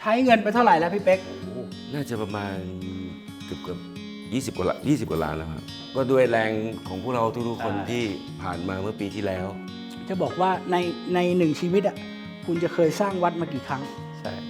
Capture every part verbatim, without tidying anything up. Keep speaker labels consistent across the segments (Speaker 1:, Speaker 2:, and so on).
Speaker 1: ช้เงินไปเท่าไหร่แล้วพี่เป๊ก
Speaker 2: น่าจะประมาณเกือบเกือบยี่สิบกว่ายี่สิบกว่าล้านแล้วครับก็ด้วยแรงของพวกเราทุกๆคนที่ผ่านมาเมื่อปีที่แล้ว
Speaker 1: จะบอกว่าในในหนึ่งชีวิตอ่ะคุณจะเคยสร้างวัดมากี่ครั้ง
Speaker 3: ใช่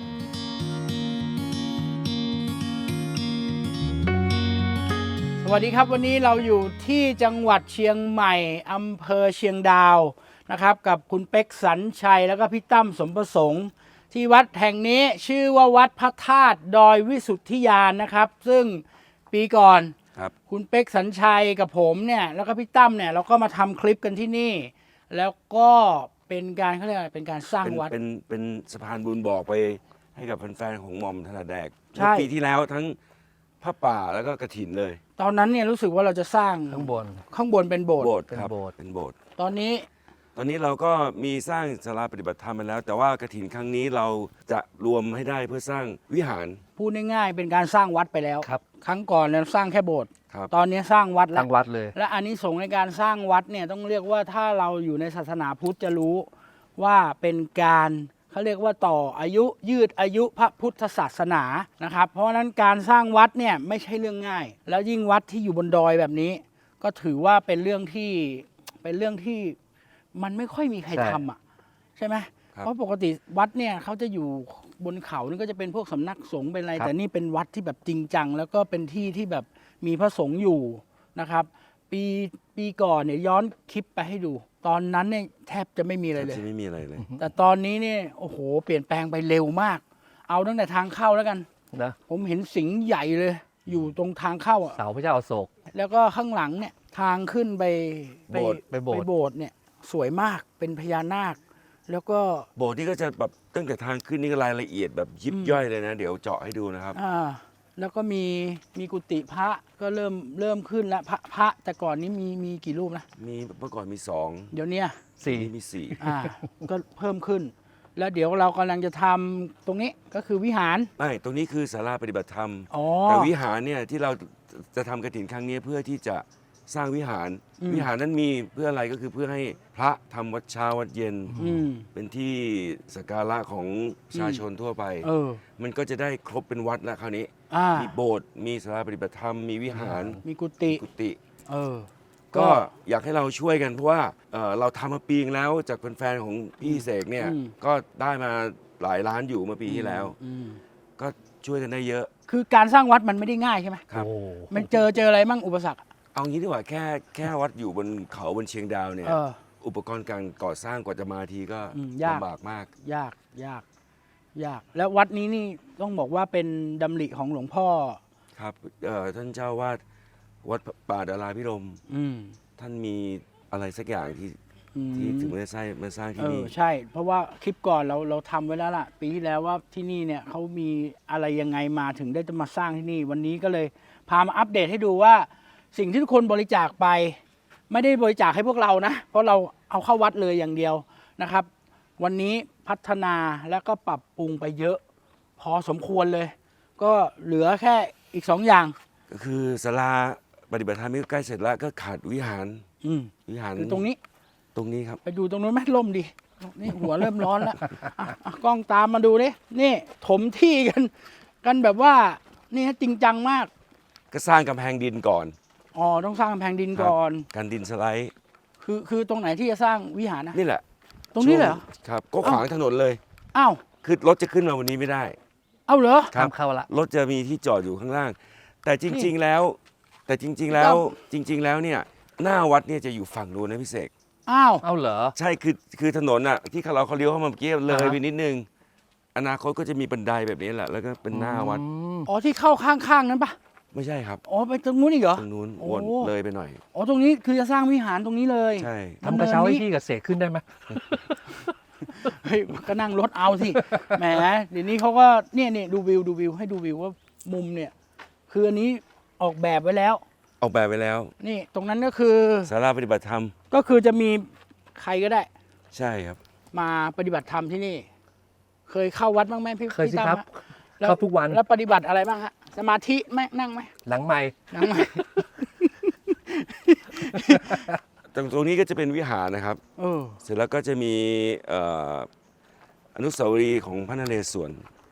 Speaker 1: สวัสดีครับวันนี้เราอยู่ที่จังหวัดเชียงใหม่อำเภอเชียงดาวนะครับกับคุณเป๊กสัญชัยแล้วก็พี่ตั้มสมประสงค์ที่วัดแห่งนี้ชื่อว่าวัดพระธาตุดอยวิสุทธิญาณนะครับซึ่งปีก่อน
Speaker 2: ครับ
Speaker 1: คุณเป๊กสัญชัยกับผมเนี่ยแล้วก็พี่ตั้มเนี่ยเราก็มาทำคลิปกันที่นี่แล้วก็เป็นการเขาเรียกอะไรเป็นการสร้างวัด
Speaker 2: เป็นเป็นสะพานบุญบอกไปให้กับแฟนๆของหม่อมถนัดแดก
Speaker 1: ใช่
Speaker 2: ปีที่แล้วทั้งพระป่าแล้วก็กฐินเลย
Speaker 1: ตอนนั้นเนี่ยรู้สึกว่าเราจะสร้าง
Speaker 3: ข้างบน
Speaker 1: ข้างบนเป็นโบสถ์
Speaker 2: โบสถ์
Speaker 3: เป็น
Speaker 2: ครับ
Speaker 3: โบสถ์
Speaker 2: เป็นโบสถ์
Speaker 1: ตอนนี้
Speaker 2: ตอนนี้เราก็มีสร้างศาลาปฏิบัติธรรมมาแล้ว แต่ว่ากฐินครั้งนี้เราจะรวมให้ได้เพื่อสร้างวิหาร
Speaker 1: พูดง่ายๆเป็นการสร้างวัดไปแล้ว
Speaker 3: ครับ
Speaker 1: ครั้งก่อนเราสร้างแค่โบสถ์
Speaker 2: ครับ
Speaker 1: ตอนนี้สร้างวัดแล้
Speaker 3: ตั้
Speaker 1: ว
Speaker 3: งวัดเลย
Speaker 1: และอานิสงส์ในการสร้างวัดเนี่ยต้องเรียกว่าถ้าเราอยู่ในศาสนาพุทธจะรู้ว่าเป็นการเขาเรียกว่าต่ออายุยืดอายุพระพุทธศาสนานะครับเพราะฉะนั้นการสร้างวัดเนี่ยไม่ใช่เรื่องง่าย แล้วยิ่งวัดที่อยู่บนดอยแบบนี้ ก็ถือว่าเป็นเรื่องที่เป็นเรื่องที่มันไม่ค่อยมีใคร
Speaker 3: ใช่
Speaker 1: ทำอ่ะใช่ไหม
Speaker 2: ครับ
Speaker 1: เพราะปกติวัดเนี่ยเขาจะอยู่บนเขานี่ก็จะเป็นพวกสำนักสงฆ์เป็นอะไร
Speaker 3: ครับ
Speaker 1: แต่นี่เป็นวัดที่แบบจริงจังแล้วก็เป็นที่ที่แบบมีพระสงฆ์อยู่นะครับ ปีปีก่อนเนี่ยย้อนคลิปไปให้ดู ตอนนั้นเนี่ยแทบจะไม่มีอะไรเลย
Speaker 2: จะไม่มีอะไรเลย
Speaker 1: แต่ตอนนี้เนี่ยโอ้โหเปลี่ยนแปลงไปเร็วมาก เอาตั้งแต่ทางเข้าแล้วกัน
Speaker 3: นะ
Speaker 1: ผมเห็นสิงห์ใหญ่เลย อยู่ตรงทางเข้าอ่ะ
Speaker 3: เสาพระเจ้าอโศก
Speaker 1: แล้วก็ข้างหลังเนี่ยทางขึ้นไป
Speaker 3: โบสถ์ไปโบสถ์
Speaker 1: ไปโบสถ์เนี่ยสวยมากเป็นพญานาค แล้วก็
Speaker 2: โบสถ์นี่ก็จะแบบตั้งแต่ทางขึ้นนี่ก็รายละเอียดแบบยิบย่อยเลยนะ เดี๋ยวเจาะให้ดูนะครับ
Speaker 1: อ่าแล้วก็มีมีกุฏิพระก็เริ่มเริ่มขึ้นแล้วพระพระแต่ก่อนนี้มีมีกี่รูปนะ
Speaker 2: มีเมื่อก่อนมีสอง
Speaker 1: เดี๋ยวเนี้ย
Speaker 3: สี่
Speaker 2: นี่มีสี่
Speaker 1: อ่า ก็เพิ่มขึ้น แล้วเดี๋ยวเรากำลังจะทำตรงนี้ก็คือวิหาร
Speaker 2: ไม่ตรงนี้คือศาลาปฏิบัติธรรม
Speaker 1: อ๋อ
Speaker 2: แต่วิหารเนี่ยที่เราจะทำกฐินครั้งนี้เพื่อที่จะสร้างวิหาร
Speaker 1: อืม
Speaker 2: วิหารนั้นมีเพื่ออะไรก็คือเพื่อให้พระทำวัดเช้าวัดเย็น
Speaker 1: อืม
Speaker 2: เป็นที่สักการะของประชาชนทั่วไป
Speaker 1: เออ
Speaker 2: มันก็จะได้ครบเป็นวัดแล้วคราวนี้
Speaker 1: อ่า
Speaker 2: มีโบสถ์มีศาลาปฏิบัติธรรมมีวิหาร
Speaker 1: มีกุฏิ
Speaker 2: กุฏิ
Speaker 1: เออ
Speaker 2: ก็อยากให้เราช่วยกันเพราะว่าเอ่อเราทำมาปีนึงแล้วจากแฟนๆของพี่เสกเนี่ย
Speaker 1: อืม
Speaker 2: ก็ได้มาหลายล้านอยู่เมื่อปีที่แล้ว
Speaker 1: อืม
Speaker 2: ก็ช่วยกันได้เยอะ
Speaker 1: คือการสร้างวัดมันไม่ได้ง่ายใช่ไหม
Speaker 2: ครับ
Speaker 3: โอ้
Speaker 1: มันเจอเจออะไรมั่งอุปสรรค
Speaker 2: เอางี้ดีกว่าแค่แค่วัดอยู่บนเขาบนเชียงดาวเนี่ย
Speaker 1: เออ
Speaker 2: อุปกรณ์การก่อสร้างกว่าจะมาทีก็
Speaker 1: อืมยาก
Speaker 2: ลำบากมาก
Speaker 1: ยากยาก ยาก แล้ววัดนี้นี่ต้องบอกว่าเป็นดำริของหลวงพ่อ
Speaker 2: ครับเอ่อท่านเจ้าวาดวัดป่าดาราพิรมย์
Speaker 1: อืม
Speaker 2: ท่านมีอะไรสักอย่างที่
Speaker 1: อืม
Speaker 2: ที่ถึงมาสร้างมาสร้าง
Speaker 1: เอ
Speaker 2: ที่
Speaker 1: อ
Speaker 2: นี่
Speaker 1: ใช่ เพราะว่าคลิปก่อนเราเราทำไว้แล้วล่ะ ปีที่แล้วว่าที่นี่เนี่ยเขามีอะไรยังไงมาถึงได้จะมาสร้างที่นี่ วันนี้ก็เลยพามาอัปเดตให้ดูว่าสิ่งที่ทุกคนบริจาคไป ไม่ได้บริจาคให้พวกเรานะ เพราะเราเอาเข้าวัดเลยอย่างเดียวนะครับ วันนี้พัฒนาแล้วก็ปรับปรุงไปเยอะ พอสมควรเลย ก็เหลือแค่อีกสองอย่าง
Speaker 2: ก็คือศาลาปฏิบัติธรรมนี่ก็ใกล้เสร็จแล้วก็ขาดวิหาร
Speaker 1: อืม
Speaker 2: วิหาร
Speaker 1: คือตรงนี้
Speaker 2: ตรงนี้ครับ
Speaker 1: ไปดูตรงนู้นไหมล่มดิ นี่หัวเริ่มร้อนแล้วอ่ะอ่ะกล้องตามมาดูดินี่ถมที่กัน กันแบบว่า นี่ฮะจริงจังมาก
Speaker 2: ก็สร้างกำแพงดินก่อน
Speaker 1: อ๋อ ต้องสร้างกำแพงดินก่อน
Speaker 2: ครับการดินสไลด์
Speaker 1: คือคือตรงไหนที่จะสร้างวิหารนะ
Speaker 2: นี่แหละ
Speaker 1: ตรงนี้เลยเหรอ
Speaker 2: ช่วงครับ ก็ขวางถนนเลย
Speaker 1: อ้าว
Speaker 2: คือรถจะขึ้นมาวันนี้ไม่ได้
Speaker 1: เอ้าเหรอ
Speaker 2: ครับ
Speaker 3: ทำเข้าละ
Speaker 2: รถจะมีที่จอดอยู่ข้างล่าง แต่จริง ๆแล้ว แต่จริง ๆ แล้ว จริง ๆ แล้วเนี่ยหน้าวัดเนี่ยจะอยู่ฝั่งนู้นนะพี่เสก
Speaker 1: อ้าว
Speaker 3: เอาเหรอ
Speaker 2: ใช่คือคือถนนอ่ะที่เราเขาเลี้ยวเข้ามาเมื่อกี้เลย
Speaker 3: อ่าฮะ
Speaker 2: ไปนิดนึง อนาคตก็จะมีบันไดแบบนี้แหละ แล้วก็เป็นหน้าวัด
Speaker 3: อืม
Speaker 1: อ๋อที่เข้าข้างๆนั้นปะ
Speaker 2: ไม่ใช่ครับ
Speaker 1: อ๋อไปตรงนู้นอีกเหรอ
Speaker 2: ตรงนู้น
Speaker 1: โอ้
Speaker 2: วนเลยไปหน่อย
Speaker 1: อ๋อตรงนี้คือจะสร้างวิหารตรงนี้เลย
Speaker 2: ใช่
Speaker 1: ดำเนิน
Speaker 3: ทำกระเช้าให้
Speaker 1: นี้
Speaker 3: พี่กับเสกขึ้นได้ไหม
Speaker 1: เฮ้ยก็นั่งรถเอาสิ แหมเดี๋ยวนี้เขาก็เนี่ยเนี่ยดูวิวดูวิวให้ดูวิวว่ามุมเนี่ย คืออันนี้ออกแบบไว้แล้ว
Speaker 2: ออกแบบไปแล้ว
Speaker 1: นี่ตรงนั้นก็คือ
Speaker 2: ศาลาปฏิบัติธรรม
Speaker 1: ก็คือจะมีใครก็ได้
Speaker 2: ใช่ครับ
Speaker 1: มาปฏิบัติธรรมที่นี่ เคยเข้าวัดบ้างไหมพี่
Speaker 3: เคยสิ
Speaker 1: พี่ตั้ม
Speaker 3: ครับ
Speaker 1: ฮะแล้ว
Speaker 3: เข้าทุกวัน
Speaker 1: แล้วปฏิบัติอะไรบ้างฮะสมาธิไหมนั่งไหม
Speaker 3: หลังไม่
Speaker 1: นั่งไหม
Speaker 2: ตรงตรงนี้ก็จะเป็นวิหารนะครับ
Speaker 1: เออ
Speaker 2: เสร็จแล้วก็จะมีเอ่ออนุสาวรีย์ของพระนเรศวร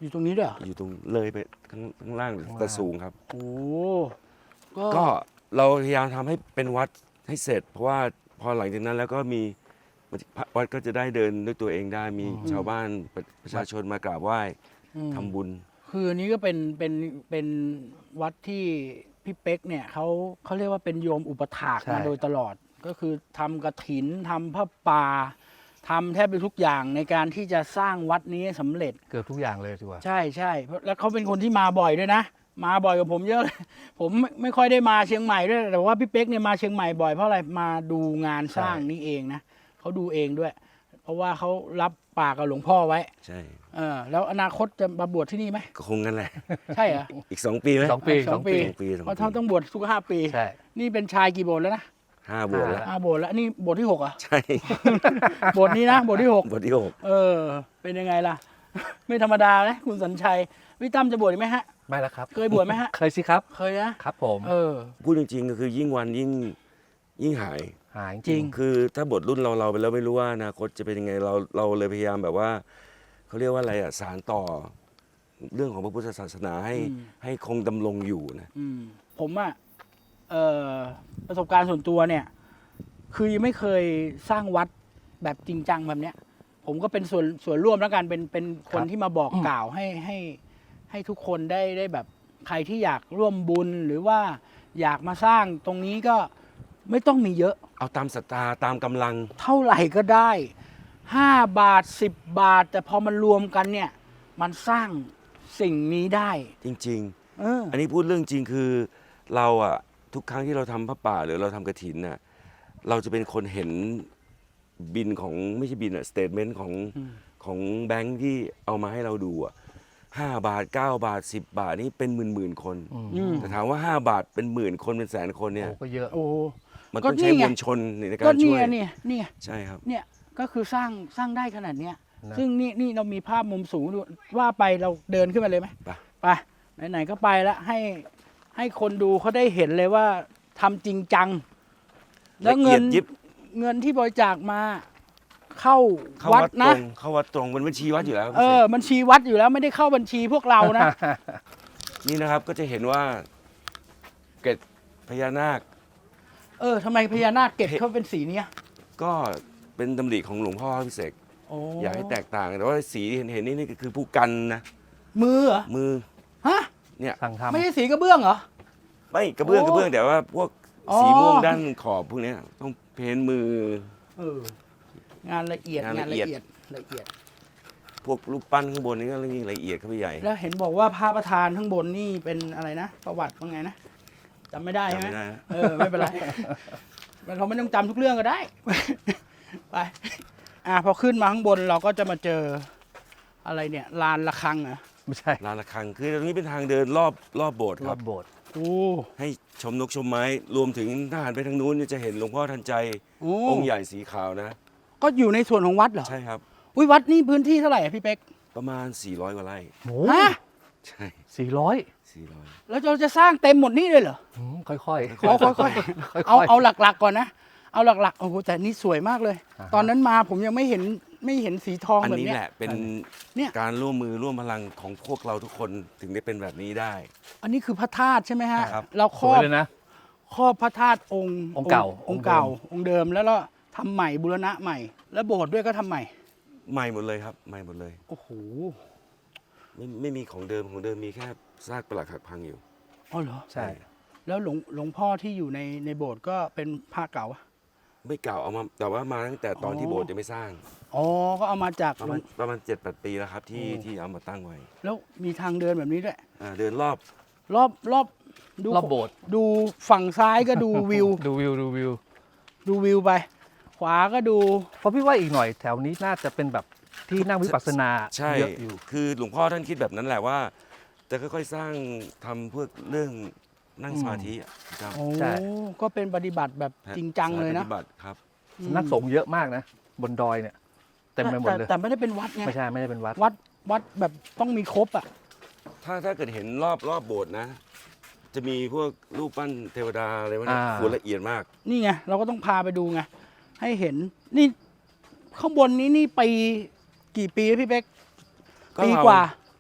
Speaker 1: อยู่ตรงนี้ด้วยเหรอ
Speaker 2: อยู่ตรงเลยไปข้างข้างล่างแต่สูงครับ
Speaker 1: โอ้ก็
Speaker 2: ก็เราพยายามทำให้เป็นวัดให้เสร็จ เพราะว่าพอหลังจากนั้นแล้วก็มีวัดก็จะได้เดินด้วยตัวเองได้มีชาวบ้านประประชาชนมากราบไหว้
Speaker 1: อืม
Speaker 2: ทำบุญ
Speaker 1: คืออันนี้ก็เป็นเป็นเป็นวัดที่พี่เป๊กเนี่ยเขาเขาเรียกว่าเป็นโยมอุปถาก
Speaker 3: ใช่
Speaker 1: มาโดยตลอด ก็คือทำกฐินทำผ้าป่าทำแทบจะทุกอย่างในการที่จะสร้างวัดนี้ให้สำเร็จ
Speaker 3: เกือบทุกอย่างเลยดีกว่า
Speaker 1: ใช่ใช่เพราะแล้วเขาเป็นคนที่มาบ่อยด้วยนะ มาบ่อยกว่าผมเยอะเลย ผมไม่ไม่ค่อยได้มาเชียงใหม่ด้วย แต่ว่าพี่เป๊กเนี่ยมาเชียงใหม่บ่อยเพราะอะไรมาดูงานสร้าง
Speaker 3: ใช่
Speaker 1: นี้เองนะเขาดูเองด้วย เพราะว่าเขารับปากกับหลวงพ่อไว้
Speaker 2: ใช่
Speaker 1: เออแล้วอนาคตจะมาบวชที่นี่ไหม
Speaker 2: ก็คงงั้นแหละ
Speaker 1: ใช่เหรอ
Speaker 2: อีกสองปีไหม
Speaker 3: สองปี
Speaker 1: สองปี
Speaker 2: สองปีสอง
Speaker 1: เพราะ
Speaker 2: ปี
Speaker 1: ท่านต้องบวชทุกห้าปี
Speaker 3: ใช่
Speaker 1: นี่เป็นชายกี่โบสถ์แล้วนะ
Speaker 2: ห้าบวชแล้ว
Speaker 1: ห้าโบสถ์แล้วนี่โบสถ์ที่หกเหรอ่ะ
Speaker 2: ใช่
Speaker 1: โบสถ์นี้นะโบสถ์ที่หก
Speaker 2: บทที่หก
Speaker 1: เออ เป็นยังไงล่ะ ไม่ธรรมดานะคุณสัญชัยพี่ตั้มจะบวชอีกไหมฮะ
Speaker 3: ไม่แล้วครับ
Speaker 1: เคยบวชไหมฮะ
Speaker 3: เคยสิครับ
Speaker 1: เคยนะครับ
Speaker 3: ผม
Speaker 1: เออ
Speaker 2: พูดจริงๆก็คือยิ่งวันยิ่งยิ่งหาย
Speaker 3: หาย
Speaker 1: จริง
Speaker 2: คือถ้าบทรุ่นเราเราไปแล้วไม่รู้ว่าอนาคตจะเป็นยังไงเราเราเลยพยายามแบบว่าเขาเรียกว่าอะไรอ่ะสารต่อ เรื่องของพระพุทธศาสนาให้
Speaker 1: อืม
Speaker 2: ให้คงดำรงอยู่นะ
Speaker 1: อืมผมอะเอ่อประสบการณ์ส่วนตัวเนี่ย คือยังไม่เคยสร้างวัดแบบจริงจังแบบเนี้ย ผมก็เป็นส่วนส่วนร่วมแล้วกันเป็นเป็นคนที่มาบอกกล่าวให้ให้ให้ทุกคนได้ได้แบบใครที่อยากร่วมบุญหรือว่าอยากมาสร้างตรงนี้ก็ไม่ต้องมีเยอะ
Speaker 2: เอาตามศรัทธาตามกำลัง
Speaker 1: เท่าไหร่ก็ได้ห้าบาทสิบบาท แต่พอมันรวมกันเนี่ย มันสร้างสิ่งนี้ได้
Speaker 2: จริง
Speaker 1: เออ
Speaker 2: ๆ อันนี้พูดเรื่องจริงคือเราอ่ะทุกครั้งที่เราทำพระป่าหรือเราทำกฐินน่ะเราจะเป็นคนเห็นบินของไม่ใช่บินอ่ะสเตทเมนต์ของ
Speaker 1: อืม
Speaker 2: ของแบงค์ที่เอามาให้เราดูอ่ะห้าบาทเก้าบาทสิบบาทนี่เป็นหมื่นหมื่นๆคน
Speaker 3: อืม
Speaker 1: อืม
Speaker 2: แต่ถามว่าห้าบาทเป็นหมื่นคนเป็นแสนคนเนี่ย
Speaker 3: โอ้ก็เยอะ
Speaker 1: โอ้
Speaker 2: มัน
Speaker 1: ก็
Speaker 2: ต้องใช้
Speaker 1: นี่ไง
Speaker 2: มวลชนในกา
Speaker 1: ก็
Speaker 2: รช่
Speaker 1: เนี่
Speaker 2: วย
Speaker 1: ยเนี่ยเนี่ย
Speaker 2: ใช่ครับ
Speaker 1: เนี่ยก็คือสร้างสร้างได้ขนาดเนี้ย
Speaker 3: นะ
Speaker 1: ซึ่งนี่นี่เรามีภาพมุมสูงดูว่าไปเราเดินขึ้นมาเลยไหม
Speaker 2: ไป
Speaker 1: ไปไหนๆก็ไปแล้วให้ให้คนดูเขาได้เห็นเลยว่าทำจริงจัง แล้วเงิน
Speaker 2: ละอียดยิบ
Speaker 1: เงินที่บริจาคมาเข้า
Speaker 2: เข้า
Speaker 1: วัด
Speaker 2: วัดต
Speaker 1: นะ
Speaker 2: รงเข้าวัดตรงมันบัญชีวัดอยู่แล้วครับ
Speaker 1: เออบัญชีวัดอยู่แล้วไม่ได้เข้าบัญชีพวกเรานะ
Speaker 2: นี่นะครับก็จะเห็นว่าเกล็ดพญานาค
Speaker 1: เออทำไมพญานาคเก็บเขาเป็นสีเนี้ย
Speaker 2: ก็เป็นดำริของหลวงพ่อพิเศษก
Speaker 1: โอ้
Speaker 2: อยากให้แตกต่าง แต่ว่าสีที่เห็นเห็นนี่นี่คือผู้กันนะ
Speaker 1: มือเหรอ
Speaker 2: มือ
Speaker 1: ฮะ
Speaker 2: เนี่ย
Speaker 3: สั่งทำ
Speaker 1: ไม่ใช่สีกระเบื้องเหรอ
Speaker 2: ไม่กระเบื้อง
Speaker 1: โอ้
Speaker 2: กระเบื้องแต่ว่าพวก
Speaker 1: อ๋อ
Speaker 2: สีม่วงด้านขอบพวกเนี้ยต้องเพ้นมือ
Speaker 1: เอองานละเอียด
Speaker 2: งาน
Speaker 1: งาน
Speaker 2: ละ
Speaker 1: ละ
Speaker 2: เอียด
Speaker 1: เอียดละเอียด
Speaker 2: พวกรูปปั้นข้างบนนี่ก็ยิ่งละเอียดเข้าไปใหญ่
Speaker 1: แล้วเห็นบอกว่าพระประธานข้างบนนี่เป็นอะไรนะ ประวัติว่าไงนะจำไม่ได้ใช่ไหม
Speaker 2: จำไม่ได้นะ
Speaker 1: เออไม่เป็นไร มันเขาไม่ต้องจำทุกเรื่องก็ได้ ไปอ่ะพอขึ้นมาข้างบนเราก็จะมาเจออะไรเนี่ยลานระฆังเหรอ
Speaker 3: ไม่ใช่
Speaker 2: ลานระฆังคือตรงนี้เป็นทางเดินรอบรอบโบสถ์
Speaker 3: ร
Speaker 2: ค
Speaker 3: อ
Speaker 2: รั
Speaker 3: บบ โบสถ์
Speaker 1: โอ้
Speaker 2: ให้ชมนกชมไม้รวมถึงทหารไปทางนู้นเนี่ยจะเห็นหลวงพ่อทันใจ
Speaker 1: โอ้
Speaker 2: องค์ใหญ่สีขาวนะ
Speaker 1: ก็อยู่ในส่วนของวัดเหรอ
Speaker 2: ใช่ครับ
Speaker 1: อุ้ยวัดนี่พื้นที่เท่าไหร่อะพี่เป๊ก
Speaker 2: ประมาณ สี่ร้อย กว่าไร่
Speaker 3: โอ้
Speaker 1: ฮะ
Speaker 2: ใช่
Speaker 3: สี่ร้อย
Speaker 2: สี่ร้อย
Speaker 1: แล้วเราจะสร้างเต็มหมดนี่เลยเหรอ
Speaker 3: ค่อยๆค่อย
Speaker 1: ขอค่อยๆ เอาเอาหลักๆก่อนนะ เอาหลักๆ โอ้โหแต่นี่สวยมากเลย
Speaker 3: อ่าฮะ
Speaker 1: ตอนนั้นมาผมยังไม่เห็นไม่เห็นสีทอง
Speaker 2: อัน
Speaker 1: แบบ
Speaker 2: นี้
Speaker 1: เนี้ย
Speaker 2: แหละเป็น
Speaker 1: เนี่ย
Speaker 2: การร่วมมือร่วมพลังของพวกเราทุกคนถึงได้เป็นแบบนี้ได้
Speaker 1: อันนี้คือพระธาตุใช่ไหมฮะ
Speaker 2: ครับ
Speaker 1: เราค
Speaker 3: ส
Speaker 1: รอ
Speaker 3: วย
Speaker 1: บ
Speaker 3: เลยนะ
Speaker 1: ครอบพระธาตุองค์
Speaker 3: องค์เก่า
Speaker 1: องค์เก่า องค์เดิมแล้วก็ทำใหม่บูรณะใหม่ แล้วโบสถ์ด้วยก็ทำใหม่
Speaker 2: ใหม่หมดเลยครับใหม่หมดเลย
Speaker 1: โอ้โห
Speaker 2: ไม่ไม่มีของเดิมของเดิมมีแค่ซากปรักหักพังอยู่
Speaker 1: อ๋อเหรอ
Speaker 3: ใช่
Speaker 1: แล้วหลวงหลวงพ่อที่อยู่ในในโบสถ์ก็เป็นพระเก่าอะ
Speaker 2: ไม่เก่าเอามาแต่ว่ามาตั้งแต่ตอน
Speaker 1: อ๋อ
Speaker 2: ที่โบสถ์ยังไม่สร้าง
Speaker 1: อ๋อ ก็เอามาจาก
Speaker 2: ประ
Speaker 1: หล
Speaker 2: มาว ณ
Speaker 1: ง
Speaker 2: ประมาณเจ็ดแปดปีแล้วครับที่
Speaker 1: โอ้
Speaker 2: ที่เอามาตั้งไว้
Speaker 1: แล้วมีทางเดินแบบนี้ด้วย
Speaker 2: อ่าเดินรอบ
Speaker 1: รอบรอบดู
Speaker 3: รอบโบสถ์
Speaker 1: ดูฝั่งซ้ายก็ดูวิว
Speaker 3: ดูวิวดูวิว
Speaker 1: ดูวิวไป ขวาก็ดู
Speaker 3: เพราะพี่ว่าอีกหน่อยแถวนี้น่าจะเป็นแบบที่นั่งวิปัสสนา
Speaker 2: ใช่
Speaker 3: เยอะอยู่
Speaker 2: คือหลวงพ่อท่านคิดแบบนั้นแหละว่า จะค่อยๆสร้างทำเพื่อเรื่องนั่งสมาธิอะครับ
Speaker 1: โอ้
Speaker 3: ใช่
Speaker 1: ก็เป็นปฏิบัติแบบจริงจังเลย
Speaker 2: สา
Speaker 1: นะ
Speaker 2: ปฏิบัติครับ
Speaker 1: อืม
Speaker 3: นักสงฆ์เยอะมากนะ บนดอยเนี่ย เต็มไปหมดเลย
Speaker 1: แต่แต่ไม่ได้เป็นวัดไง
Speaker 3: ไม่ใช่ไม่ได้เป็นวัด
Speaker 1: วัดวัดแบบต้องมีครบอ่ะ
Speaker 2: ถ้าถ้าเกิดเห็นรอบรอบโบสถ์นะ จะมีพวกรูปปั้นเทวดาอะไรวะเนี่ย
Speaker 3: อ่า
Speaker 2: โหละเอียดมาก
Speaker 1: นี่ไงเราก็ต้องพาไปดูไงให้เห็นนี่ข้างบนนี้นี่ปีกี่ปีแล้วพี่เป๊ก
Speaker 2: ก็
Speaker 1: ปี
Speaker 2: เรา
Speaker 1: กว่า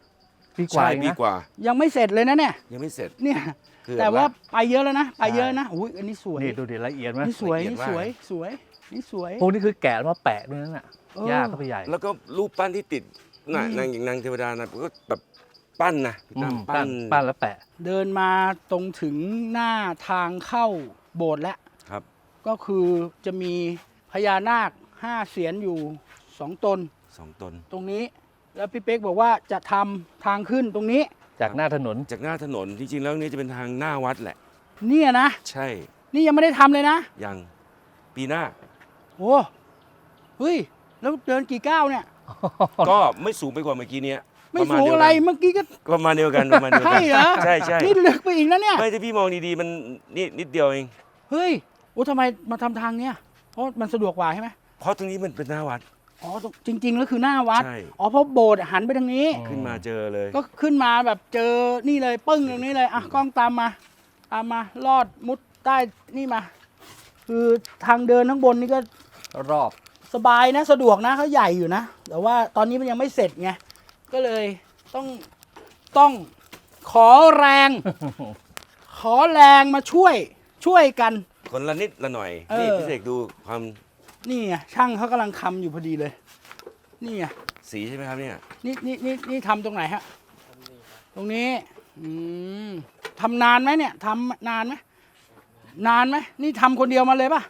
Speaker 3: ปีกว่า
Speaker 2: ใช่
Speaker 3: เอง
Speaker 2: ปี
Speaker 3: นะ
Speaker 2: กว่า
Speaker 1: ยังไม่เสร็จเลยนะเนี่ย
Speaker 2: ยังไม่เสร็จ
Speaker 1: เนี่ย
Speaker 2: คือ
Speaker 1: แต่ว่า
Speaker 2: ละ
Speaker 1: ไปเยอะแล้วนะ ไปเยอะ
Speaker 3: ใช่
Speaker 1: นะอุ้ยอันนี้สวย
Speaker 3: นี่ดูดิละเอียดไหม
Speaker 1: นี่สวย
Speaker 2: ละเอียด
Speaker 1: นี่
Speaker 2: มาก
Speaker 1: สวยสวยนี่สวย
Speaker 3: พวกนี้คือแกะแล้วมาแปะด้วยนั่นน่ะ
Speaker 1: เออ
Speaker 3: ยากก็ไปใหญ่
Speaker 2: แล้วก็รูปปั้นที่ติดน่ะ
Speaker 1: อืม
Speaker 2: นางอย่างนางเทวดานะก็แบบปั้นนะพี่
Speaker 3: อื
Speaker 2: ตั้
Speaker 3: ม
Speaker 2: ม
Speaker 3: ปั้นปั้นแล้วแปะ
Speaker 1: เดินมาตรงถึงหน้าทางเข้าโบสถ์แล้ว
Speaker 2: ครับ
Speaker 1: ก็คือจะมีพญานาคห้าเสียนอยู่สองตน
Speaker 2: สองตน
Speaker 1: ตรงนี้ แล้วพี่เป๊กบอกว่าจะทำทางขึ้นตรงนี้
Speaker 3: จากหน้าถนน
Speaker 2: จากหน้าถนนจริงๆแล้วนี่จะเป็นทางหน้าวัดแหละ
Speaker 1: เนี่ยนะ
Speaker 2: ใช่
Speaker 1: นี่ยังไม่ได้ทำเลยนะ
Speaker 2: ยังปีหน้า
Speaker 1: โอ้เฮ้ย แล้วเดินกี่ก้าวเนี่ย
Speaker 2: ก็ไม่สูงไปกว่าเมื่อกี้เนี้ย
Speaker 1: ไม่
Speaker 2: ประาณ
Speaker 1: สูง
Speaker 2: เดียว
Speaker 1: อะไร
Speaker 2: กัน
Speaker 1: เมื่อกี้ก็
Speaker 2: ประมาณเดียวกันประมาณเดียวกั
Speaker 1: ใช่เหรอ
Speaker 2: ใช่ใช่
Speaker 1: นี่ลึกไปอีกนะเนี่ย
Speaker 2: ไม่ถ้าพี่มองดีๆมันนี่นิดเดียวเอง
Speaker 1: เฮ้ยโอ้ทำไมมาทำทางเนี้ยเพราะมันสะดวกกว่าใช่ไหม
Speaker 2: เพราะตรงนี้มันเป็นหน้าวัด
Speaker 1: อ๋อจริง ๆ แล้วคือหน้าวัด
Speaker 2: ใช่
Speaker 1: อ๋อเพราะโบสถ์หันไปทางนี้
Speaker 3: อ๋อ
Speaker 2: ขึ้นมาเจอเลย
Speaker 1: ก็ขึ้นมาแบบเจอนี่เลยปึ้งตรงนี้เลยอ่ะกล้องตามมา ตามมาลอดมุดใต้นี่มา คือทางเดินข้างบนนี่ก็
Speaker 3: รอบ
Speaker 1: สบายนะสะดวกนะเขาใหญ่อยู่นะ แต่ว่าตอนนี้มันยังไม่เสร็จไงก็เลยต้องต้องขอแรง ขอแรงมาช่วยช่วยกัน
Speaker 2: คนละนิดละหน่อย
Speaker 1: เออ
Speaker 2: นี่พี่เสกดูความ
Speaker 1: นี่ไงช่างเขากำลังทำอยู่พอดีเลย นี่ไง
Speaker 2: สีใช่ไหมครับเนี่ย
Speaker 1: นี่นี่นี่นี่ทำตรงไหนฮะตรงนี้อืมทำนานไหมเนี่ยทำนานไหมนานไหมนี่ทำคนเดียวมาเลยป่ะ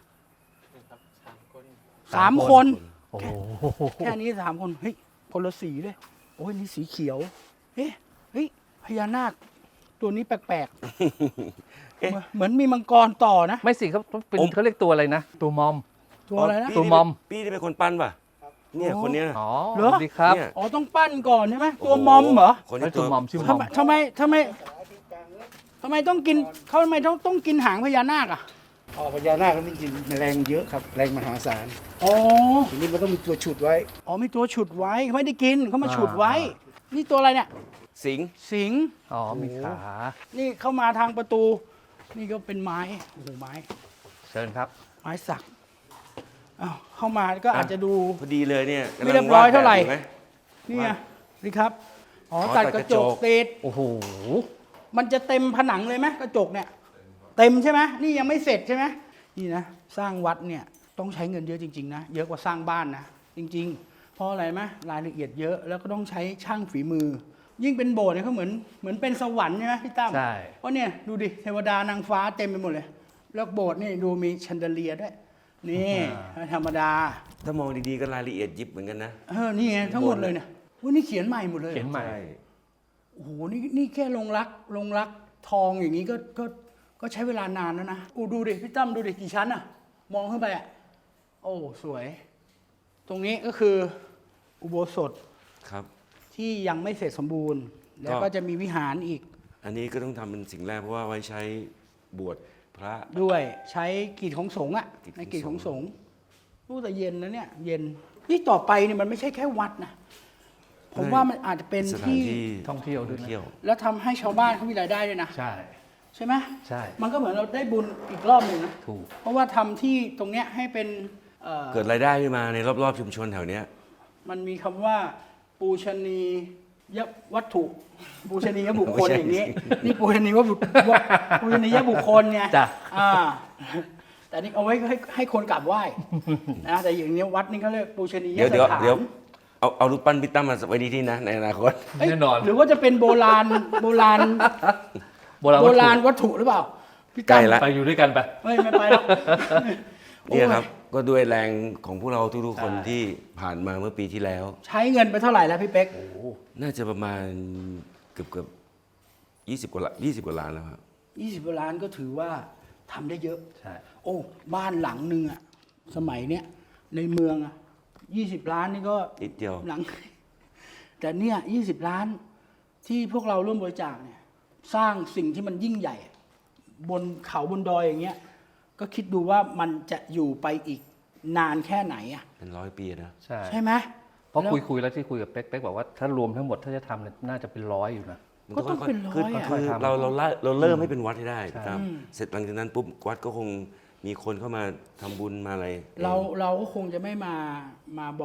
Speaker 1: สามคน
Speaker 3: โอ้โห
Speaker 1: แค่นี้สามคนเฮ้ยคนละสีเลยโอ้ยนี่สีเขียวเฮ้ยเฮ้ยพญานาคตัวนี้แปลกๆ
Speaker 2: เอ๊ะ
Speaker 1: เหมือนเหมือนมีมังกรต่อนะ
Speaker 3: ไม่สิเขาเป็น
Speaker 2: ผม
Speaker 3: เขาเรียกตัวอะไรนะ ตัวมอม
Speaker 1: ตัวอะไรนะ
Speaker 2: พี่
Speaker 3: ตัวมอม
Speaker 2: พี่ที่เป็นคนปั้นป่ะเนี่ย
Speaker 1: โอ้
Speaker 2: คนเนี้ย
Speaker 3: อ๋อ
Speaker 1: เหรอ
Speaker 3: สวัสดีครับ
Speaker 2: เนี่ย
Speaker 1: อ๋อต้องปั้นก่อนใช่ไหมตัวมอมเหรอ
Speaker 2: คน
Speaker 3: ไอ้
Speaker 2: นี้
Speaker 3: ตั
Speaker 2: ตัว ว
Speaker 3: มอมชื่อม
Speaker 1: ทำ
Speaker 3: อม
Speaker 1: ไมทำไมทำไมทำไมต้องกินเขาทำไมต้องต้องกินหางพญานาคอ่ะ
Speaker 4: อ๋อพญานาคนี่จริงๆแรงเยอะครับ แรงมหาศาล
Speaker 1: อ๋อ
Speaker 4: ทีนี้มันต้องมีตัวฉุดไว้
Speaker 1: อ๋อมีตัวฉุดไว้เขาไม่ได้กินเขามาฉุดไว้ นี่ตัวอะไรเนี่ย
Speaker 2: สิงห์
Speaker 1: สิงห์
Speaker 3: อ๋อมีขา
Speaker 1: นี่เข้ามาทางประตู นี่ก็เป็นไม้โอ้โหไม้
Speaker 3: เชิญครับ
Speaker 1: ไม้สักอ้าวเข้ามาก็อาจจะดู
Speaker 2: พอดีเลยเนี่ยกำลัง
Speaker 1: ไม่เรียบร้อยเท่าไหร่
Speaker 2: วดแบบอยู่ม
Speaker 1: นี่ไงนี่ครับอ๋อ
Speaker 2: อ๋อ
Speaker 1: ตัด
Speaker 2: ตัด
Speaker 1: ก
Speaker 2: ก
Speaker 1: ระ
Speaker 2: ระ
Speaker 1: จ
Speaker 2: จ
Speaker 1: ก
Speaker 2: ก
Speaker 1: ติด
Speaker 3: โอ้โห
Speaker 1: มันจะเต็มผนังเลยไหมกระจกเนี่ย เต็มใช่ไหมนี่ยังไม่เสร็จใช่ไหมนี่นะสร้างวัดเนี่ยต้องใช้เงินเยอะจริงๆนะเยอะกว่าสร้างบ้านนะจริงๆเพราะอะไรไหมรายละเอียดเยอะแล้วก็ต้องใช้ช่างฝีมือ ยิ่งเป็นโบสถ์เนี่ยเขาเหมือนเหมือนเป็นสวรรค์ใช่ไหมพี่ตั้ม
Speaker 3: ใช่
Speaker 1: เพราะเนี่ยดูดิเทวดานางฟ้าเต็มไปหมดเลย แล้วโบสถ์นี่ดูมีแชนเดเลียร์ด้วยนี่ไม่ธรรมดา
Speaker 2: ถ้ามองดีๆก็รายละเอียดยิบเหมือนกันนะ
Speaker 1: เออนี่ไงทั้งหมดเลยเนี่ยอุ๊ยนี่เขียนใหม่หมดเลย
Speaker 3: เขียนใหม่
Speaker 2: ใช่
Speaker 1: โอ้โหนี่นี่แค่ลงรักลงรักทองอย่างนี้ก็ก็ก็ใช้เวลานานแล้วนะอูดูดิพี่ตั้มดูดิกี่ชั้นอะมองขึ้นไปอะโอ้สวย ตรงนี้ก็คืออุโบสถ
Speaker 2: ครับ
Speaker 1: ที่ยังไม่เสร็จสมบูรณ์ แล้วก็จะมีวิหารอีก
Speaker 2: อันนี้ก็ต้องทำเป็นสิ่งแรกเพราะว่าไว้ใช้บวชพระ
Speaker 1: ด้วยใช้กิจของสงฆ์อะ
Speaker 2: กิจของ
Speaker 1: ในกิจของ
Speaker 2: ส
Speaker 1: ส
Speaker 2: ง
Speaker 1: ง
Speaker 2: ฆ์
Speaker 1: ฆ์รู้แต่เย็นนะเนี่ย เย็นนี่ต่อไปเนี่ยมันไม่ใช่แค่วัดนะผมว่ามันอาจจะเป็น
Speaker 2: สถาน
Speaker 1: ที่
Speaker 2: ที่
Speaker 3: ท่องเที่ยวด้วย
Speaker 2: ท่อง
Speaker 3: นะ
Speaker 2: เที่ยว
Speaker 1: แล้วทำให้ชาวบ้านเขามีรายได้ด้วยนะ
Speaker 3: ใช่
Speaker 1: ใช่ไหม
Speaker 3: ใช่
Speaker 1: มันก็เหมือนเราได้บุญอีกรอบหนึ่งนะ
Speaker 3: ถูก
Speaker 1: เพราะว่าทำที่ตรงเนี้ยให้เป็นเอ่อ
Speaker 2: เกิดรายได้ขึ้นมาในรอบๆชุมชนแถวเนี้ย
Speaker 1: มันมีคำว่าปูชนียวัตถุ ปูชนียบุคคล
Speaker 2: ไม่ใช่
Speaker 1: อย่างนี้ นี่ปูชนียบุคปูชนียบุคคลไง
Speaker 3: จ้ะ
Speaker 1: อ่าแต่นี่เอาไว้ให้ให้คนกราบไหว้นะแต่อย่างนี้วัดนี่เขาเรียกปูชนีย
Speaker 2: เดี๋ยว
Speaker 1: ส
Speaker 2: เดี๋ยว
Speaker 1: ถาน
Speaker 2: เดี๋ยวเอาเอารูปปั้นพี่ตั้มมาไว้ที่นี่นะในอนาคต
Speaker 1: เอ้ย
Speaker 3: แน่นอน
Speaker 1: หรือว่าจะเป็นโบราณโบราณ
Speaker 3: โบราณ
Speaker 1: โบ
Speaker 3: วัตถุ
Speaker 1: ราณวัตถุหรือเปล่าพี่
Speaker 2: ใกล้
Speaker 1: ตั้ม
Speaker 2: ละ
Speaker 3: ไปอยู่ด้วยกันไป
Speaker 1: ไม่ไม่ไปแล้ว
Speaker 2: เนี่ยครับ
Speaker 1: โอ้
Speaker 2: ก็ด้วยแรงของพวกเราทุกๆคน
Speaker 3: ใช่
Speaker 2: ที่ผ่านมาเมื่อปีที่แล้ว
Speaker 1: ใช้เงินไปเท่าไหร่แล้วพี่เป๊ก
Speaker 2: น่าจะประมาณเกือบเกือบยี่สิบกว่าล้านยี่สิบกว่าล้านแล้วครับ
Speaker 1: ยี่สิบล้านก็ถือว่าทำได้เยอะ
Speaker 3: ใช่
Speaker 1: โอ้บ้านหลังหนึ่งอะสมัยเนี้ยในเมืองอะยี่สิบล้านนี่ก็
Speaker 2: นิดเดียว
Speaker 1: หลัง แต่เนี่ยยี่สิบล้านที่พวกเราร่วมบริจาคเนี่ย สร้างสิ่งที่มันยิ่งใหญ่อะบนเขาบนดอยอย่างเงี้ย ก็คิดดูว่ามันจะอยู่ไปอีกนานแค่ไหนอะ
Speaker 2: เป็นร้อยปีนะ
Speaker 3: ใช่
Speaker 1: ใช่ไหม
Speaker 3: เพราะ
Speaker 1: แล้ว
Speaker 3: คุยคุยแล้วที่คุยกับเป๊กเป๊กบอกว่าถ้ารวมทั้งหมดถ้าจะทำเนี่ยน่าจะเป็นร้อยอยู่นะ
Speaker 2: มัน
Speaker 1: ก็ต้อง
Speaker 2: ค่ยๆ
Speaker 1: เป็นร้อย
Speaker 2: คือ
Speaker 1: อะ
Speaker 2: คือ
Speaker 3: ค่อยๆทำ
Speaker 2: เราเราละเราเริ่มให้เป็นวัดให้ได้
Speaker 3: ใช่
Speaker 2: ครับ
Speaker 1: อืม
Speaker 2: เสร็จหลังจากนั้นปุ๊บวัดก็คงมีคนเข้ามาทำบุญมาอะไร
Speaker 1: เราเราก็คงจะไม่มามาบอก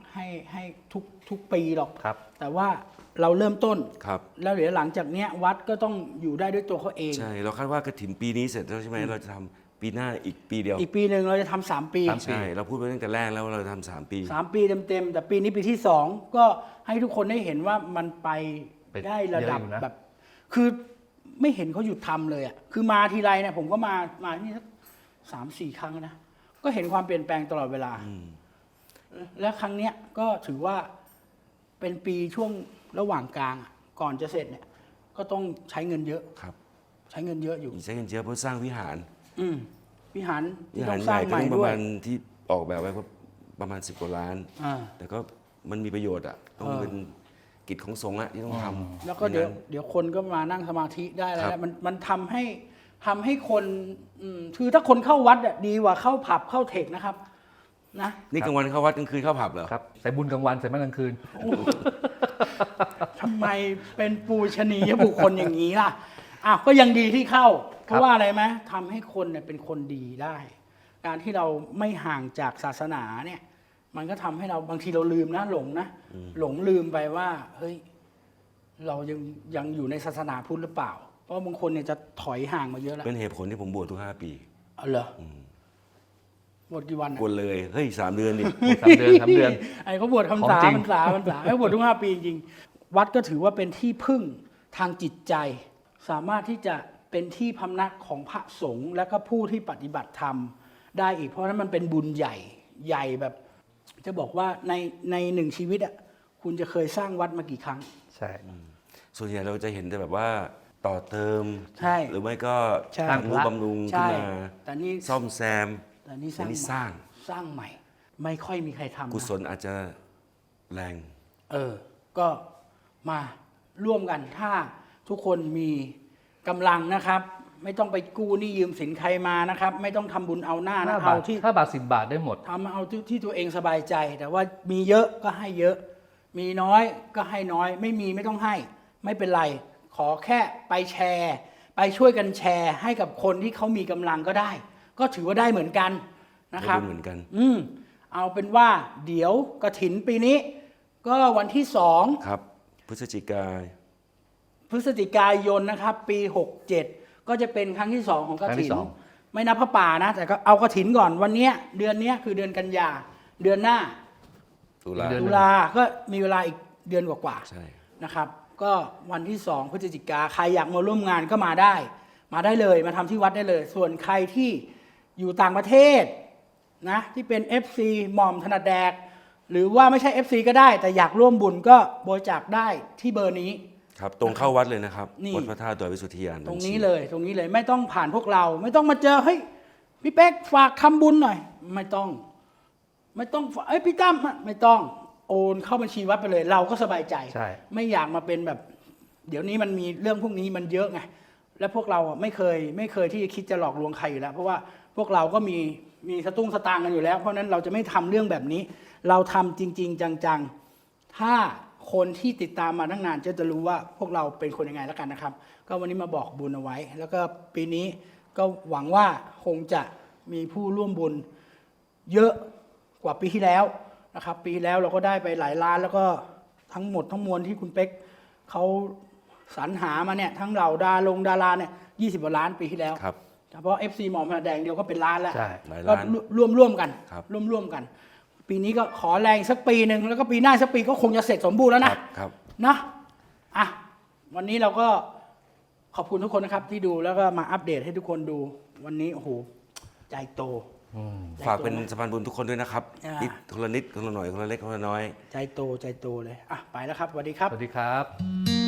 Speaker 1: ให้ให้ทุกทุกปีหรอก
Speaker 3: ครับ
Speaker 1: แต่ว่าเราเริ่มต้น
Speaker 2: ครับ
Speaker 1: แล้วเดี๋ยวหลังจากเนี้ยวัดก็ต้องอยู่ได้ด้วยตัวเขาเอง
Speaker 2: ใช่เราคาดว่ากฐินปีนี้เสร็จแล้วใช่ไหมเราจะทำปีหน้าอีกปีเดียว
Speaker 1: อีกปีหนึ่งเราจะทำสามปี
Speaker 3: สาม
Speaker 2: ใช่เราพูดไปตั้งแต่แรกแล้วว่าเราจะทำสามปี
Speaker 1: สามปีเต็มๆแต่ปีนี้ปีที่สองก็ให้ทุกคนได้เห็นว่ามันไป
Speaker 3: ไป
Speaker 1: ได้ระดับ
Speaker 3: เยอะอยู่นะ
Speaker 1: แบบ คือไม่เห็นเขาหยุดทำเลยอ่ะคือมาทีไรเนี่ยผมก็มามาที่นี่สักสามสี่ครั้งนะก็เห็นความเปลี่ยนแปลงตลอดเวลา และครั้งเนี้ยก็ถือว่าเป็นปีช่วงระหว่างกลางอะก่อนจะเสร็จเนี่ย ก็ต้องใช้เงินเยอะ
Speaker 2: ครับ
Speaker 1: ใช้เงินเยอะอยู่
Speaker 2: ใช้เงินเยอะเพื่อสร้างวิหาร
Speaker 1: อืมวิหาร
Speaker 2: วิ
Speaker 1: ที่
Speaker 2: หา
Speaker 1: ต้
Speaker 2: ร
Speaker 1: อง
Speaker 2: ให
Speaker 1: สร้า
Speaker 2: ญ่
Speaker 1: ง
Speaker 2: ก็
Speaker 1: ใหม่
Speaker 2: ต้องป
Speaker 1: ด้
Speaker 2: ระ
Speaker 1: วย
Speaker 2: มาณที่ออกแบบไว้ก็ประมาณสิบกว่าล้าน
Speaker 1: อ่า
Speaker 2: แต่ก็มันมีประโยชน์อ่ะต้อง
Speaker 1: เออ
Speaker 2: เป็นกิจของสงฆ์อะที่ต้องทำ
Speaker 1: แล้วก็เดี๋ยว
Speaker 2: ไม่งั้น
Speaker 1: เดี๋ยวคนก็มานั่งสมาธิได้แล้ว
Speaker 2: ครับ
Speaker 1: มันมันทำให้ทำให้คนอืมคือถ้าคนเข้าวัดอะดีกว่าเข้าผับเข้าเทคนะครับ นะ
Speaker 2: นี่กลางวันเข้าวัดกลางคืนเข้าผับเหรอ
Speaker 3: ครับใส่บุญกลางวันใส่มากลางคืน
Speaker 1: ทำไมเป็นปูชนียบุคคลอย่างนี้ล่ะอ้าวก็ยังดีที่เข้า เพราะว่าอะไรไหมทำให้คนเนี่ยเป็นคนดีได้ การที่เราไม่ห่างจากศาสนาเนี่ย มันก็ทำให้เราบางทีเราลืมนะหลงนะหลงลืมไปว่า เฮ้ย เรายังยังอยู่ในศาสนาพุทธหรือเปล่า เพราะบางคนเนี่ยจะถอยห่างมาเยอะแล้ว
Speaker 2: เป็นเหตุผลที่ผมบวชทุกห้าปี
Speaker 1: เอาเหรออบวชกี่วันอะ
Speaker 2: บวชเลย เฮ้ยสามเดือนดิ
Speaker 3: สามเดือนสามเดือน
Speaker 1: ไอ้เขาบวช
Speaker 3: ของ
Speaker 1: คำสา
Speaker 3: จริง
Speaker 1: พรรษาพรรษาให้บวชทุกห้าปีจริงๆวัดก็ถือว่าเป็นที่พึ่งทางจิตใจ สามารถที่จะเป็นที่พำนักของพระสงฆ์และก็ผู้ที่ปฏิบัติธรรมได้อีกเพราะฉะนั้นมันเป็นบุญใหญ่ใหญ่แบบ จะบอกว่าในในหนึ่งชีวิตอ่ะคุณจะเคยสร้างวัดมากี่ครั้ง
Speaker 3: ใช่
Speaker 2: ส่วนใหญ่เราจะเห็นแต่แบบว่าต่อเติม
Speaker 1: ใช่
Speaker 2: หรือไม่ก็
Speaker 1: ใช่
Speaker 2: ทำนุบำรุงขึ้
Speaker 1: ใช่
Speaker 2: นมา
Speaker 1: แต่นี่
Speaker 2: ซ่อมแซม
Speaker 1: แต่นี่ส
Speaker 2: แต่
Speaker 1: ร้าง
Speaker 2: นี่
Speaker 1: ใหม่
Speaker 2: สร้าง
Speaker 1: สร้างใหม่ ไม่ค่อยมีใครทำนะ
Speaker 2: กุศลอาจจะแรง
Speaker 1: เออ ก็มาร่วมกันถ้าทุกคนมีกำลังนะครับ ไม่ต้องไปกู้หนี้ยืมสินใครมานะครับ ไม่ต้องทำบุญเอาหน้า
Speaker 3: ห้า
Speaker 1: นะ
Speaker 3: บา
Speaker 1: เอา
Speaker 3: ท
Speaker 1: ที่
Speaker 3: ห้าบาทสิบบาทได้หมด
Speaker 1: ทำเอาที่ที่ตัวเองสบายใจ แต่ว่ามีเยอะก็ให้เยอะ มีน้อยก็ให้น้อย ไม่มีไม่ต้องให้ ไม่เป็นไร ขอแค่ไปแชร์ ไปช่วยกันแชร์ ให้กับคนที่เขามีกำลังก็ได้ ก็ถือว่าได้เหมือนกันนะครับ
Speaker 2: ได้บุญเหมือนกัน
Speaker 1: อืมเอาเป็นว่าเดี๋ยวกฐินปีนี้ ก็วันที่สอง
Speaker 2: ครับ พฤศจิกายน
Speaker 1: พฤศจิกายนนะครับ ปีหกเจ็ดก็จะเป็นครั้งที่สองของก
Speaker 3: ครั้งที่
Speaker 1: ฐิน
Speaker 3: สอง
Speaker 1: ไม่นับพระป่านะ แต่ก็เอากฐินก่อนวันเนี้ยเดือนเนี้ยคือเดือนกันยาเดือนหน้า
Speaker 2: ตุลา
Speaker 3: เดือน
Speaker 1: ตุลาก็มีเวลาอีกเดือนกว่า
Speaker 2: ใช่
Speaker 1: ๆนะครับ ก็วันที่สองพฤศจิกาใครอยากมาร่วมงานก็มาได้ มาได้เลยมาทำที่วัดได้เลย ส่วนใครที่อยู่ต่างประเทศนะที่เป็น เอฟ ซี หม่อมถนัดแดก หรือว่าไม่ใช่ เอฟ ซี ก็ได้ แต่อยากร่วมบุญก็บริจาคได้ที่เบอร์นี้
Speaker 2: ครับตรงเข้าวัดเลยนะครับ
Speaker 1: นี่
Speaker 2: วัดพระธาตุดอยวิสุทธิยาน
Speaker 1: ตรง
Speaker 2: บัญชี
Speaker 1: นี้เลยตรงนี้เลยไม่ต้องผ่านพวกเรา ไม่ต้องมาเจอเฮ้ยพี่เป๊กฝากทำบุญหน่อย ไม่ต้อง ไม่ต้องฝากเอ้ยพี่ตั้มไม่ต้องโอนเข้าบัญชีวัดไปเลย เราก็สบายใจ
Speaker 3: ใช่
Speaker 1: ไม่อยากมาเป็นแบบ เดี๋ยวนี้มันมีเรื่องพวกนี้มันเยอะไงและพวกเราอ่ะไม่เคย ไม่เคยที่จะคิดจะหลอกลวงใครอยู่แล้ว เพราะว่าพวกเราก็มีมีสตุ้งสตางค์กันอยู่แล้ว เพราะฉะนั้นเราจะไม่ทำเรื่องแบบนี้ เราทำจริง ๆ จังๆ ถ้าคนที่ติดตามมาตั้งนานจะจะรู้ว่าพวกเราเป็นคนยังไงแล้วกันนะครับ ก็วันนี้มาบอกบุญเอาไว้ แล้วก็ปีนี้ก็หวังว่าคงจะมีผู้ร่วมบุญเยอะกว่าปีที่แล้วนะครับ ปีที่แล้วเราก็ได้ไปหลายล้าน แล้วก็ทั้งหมดทั้งมวลที่คุณเป๊กเขาสรรหามาเนี่ยทั้งเหล่าดาลงดาราเนี่ยยี่สิบกว่าล้านปีที่แล้ว
Speaker 2: ครับ
Speaker 1: เฉพาะ เอฟ ซี หมอมแดงเดียวก็เป็นล้านแล้ว
Speaker 3: ใช่
Speaker 2: หลาย
Speaker 1: ก็
Speaker 2: ล้าน
Speaker 1: ร่วมร่วมๆกัน
Speaker 2: ครับ
Speaker 1: ร่วมร่วมๆกัน ปีนี้ก็ขอแรงสักปีหนึ่งแล้วก็ปีหน้าสักปีก็คงจะเสร็จสมบูรณ์แล้ว
Speaker 2: ค
Speaker 1: นะ
Speaker 2: รับครับ
Speaker 1: นะอ่ะวันนี้เราก็ขอบคุณทุกคนนะครับ ที่ดูแล้วก็มาอัปเดตให้ทุกคนดู วันนี้โอ้โหใจโต
Speaker 3: อืม
Speaker 1: ใจโต
Speaker 2: ฝากเป็นสะพานบุญทุกคนด้วยนะครับ
Speaker 1: อ่านิ
Speaker 2: นิดคนละนิดคนละหน่อยคนละเล็กคนละน้อย
Speaker 1: ใจโตใจโตเลยอ่ะไปแล้วครับสวัสดีครับ
Speaker 3: สวัสดีครับ